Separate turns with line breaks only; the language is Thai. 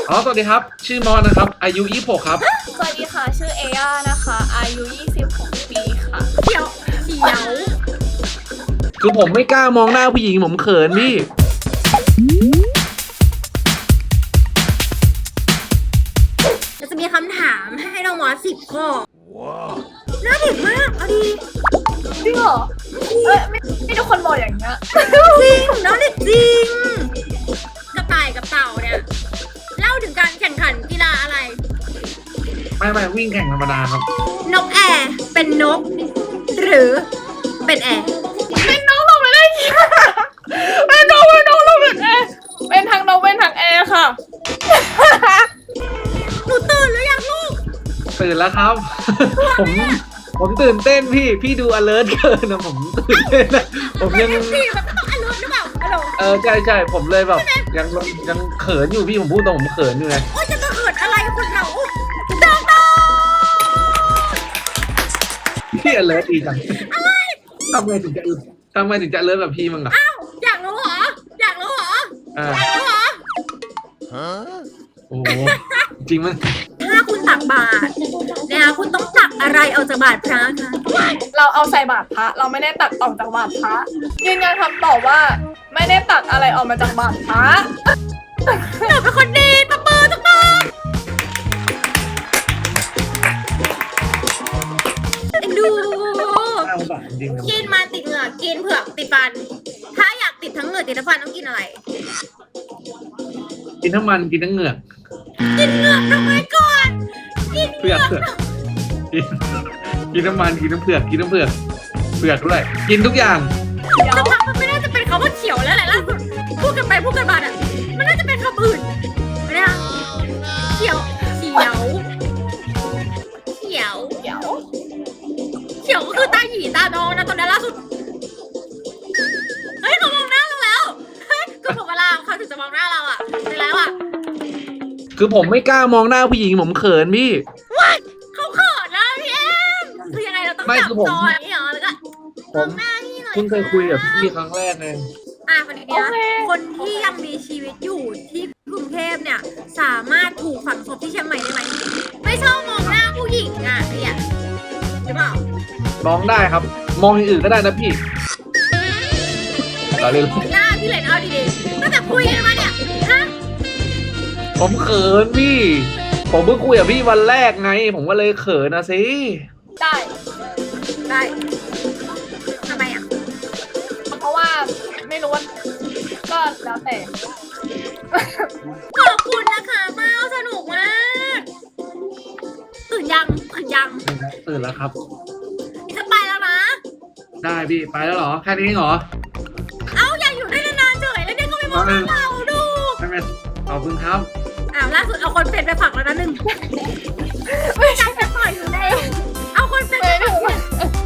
สวัสดีครับชื่อมอนนะครับอายุ26ครับ
สวัสดีค่ะชื่อเอย่านะคะอายุ26 ปีค่ะ
เขียว
คือผมไม่กล้ามองหน้าผู้หญิงผมเขินพี่
จะมีคำถามให้น้องมอส10 ข้อน่าเด็กมากเอาดี
จริงเหรอไม่ทุกคนบอกอย่างเงี้ย
จริงน้องเด็กจริงกระต่ายกับเต่าเนี่ยเล่าถึงการแข่งขันกีฬาอะไร
ไม่วิ่งแข่งธรรมดาครับ
นกแอร์เป็นนกหรือเป็นแอร์
เป็นน้องลงไปได้ยังเป็นน้องลงเป็นแอร์เป็นทางนกเป็นทางแอร์ค่ะ
หนูตื่นหรือยังลูก
ตื่นแล้วครับ ผมตื่นเต้นพี่ดู alert เกินนะผมตื่นเต้นนะผมยัง
พี่มันต้อง alert หรือเปล่า
ใช่ผมเลยแบบยังเขินอยู่พี่ผมพูดตรงผมเขินอยู่ไง
โอ้ยจะเขินอะไรคนเรา
พี่ alert ดีจังทำไมถึงจะ alert แบบพี่มั้งอ่ะ
อ้าวอยากรู้เหรอ
โอ้จริงมั้ย
ถ้าคุณตักบาตรนะคะคุณต้องตักอะไรออกจากบาตรพระคะ
เราเอาใส่บาตรพระเราไม่ได้ตักออกจากบาตรพระยืนยันคำตอบว่าไม่ได้ตักอะไรออกมาจากบาตรพระ
หนูเป็นคนดีตบมือดูกินมาติดเหงือกกินเผือกติดฟันถ้าอยากติดทั้งเหงือกติดทั้งฟันต้องกินอะไร
กินทั้งมันกินทั้งเหงือก
กินเหงือกทำไมก่อนกิน
เผือกกินน้ำมันกินน้ำเผือกกินน้ำเผือกด้วยกินทุกอย่าง
จะทำมันไม่น่าจะเป็นคำว่าเขียวแล้วแหละล่าสุดพูดกันไปพูดกันมาอ่ะมันน่าจะเป็นคำอื่นไม่ได้เขียวก็คือตาหยีตาดองนะตอนนี้ล่าสุดเฮ้ยเขามองหน้าเราแล้วเฮ้ยก็ผมเวลาเขาถึงจะมองหน้าเราอ่ะไปแล้วอ่ะ
คือผมไม่กล้ามองหน้าผู้หญิงผมเขินพี่
เขาเขินนะพี่เอ็มคือยังไงเราต้องจับจอยนี่เหรอแล้วก็มองหน้านี่หน่อย
คุณเคยคุยกับพี่ครั้งแรกไง
คนนี้นะคนที่ยังมีชีวิตอยู่ที่กรุงเทพเนี่ยสามารถถูกฝังศพที่เชียงใหม่ได้ไหมไม่ชอบมองหน้าผู้หญิงอ่ะเนี่ยหรือเปล่าม
องได้ครับมองอย่างอื่นก็ได้นะพี่
เราเล่นหน้าพี่เลยเอาดีๆตั้งแต่คุยกันมาเนี่ยฮะ
ผมเขินพี่ผมเพิ่งคุยกับพี่วันแรกไงผมก็เลยเขินนะสิ
ได้ทำไมอ่ะ
เพราะว่าไม่รู้ว่าก็แล้วแต่
ขอบคุณนะคะเมาสนุกมากตื่นยัง
ตื่นแล้วครับ
จะไปแล้วนะ
ได้พี่ไปแล้วเหรอแค่นี้เหรอ
อยากอยู่ได้นานๆเฉยแล้วเนี่ยก็ไม่มองเราดู
ขอบคุณครับ
ล่าสุดเอาคนเป็นไปผักแล้วนะ1ไม่ใช่ไปปล่อยอยู่ได้เอาคนเป็นไปผัก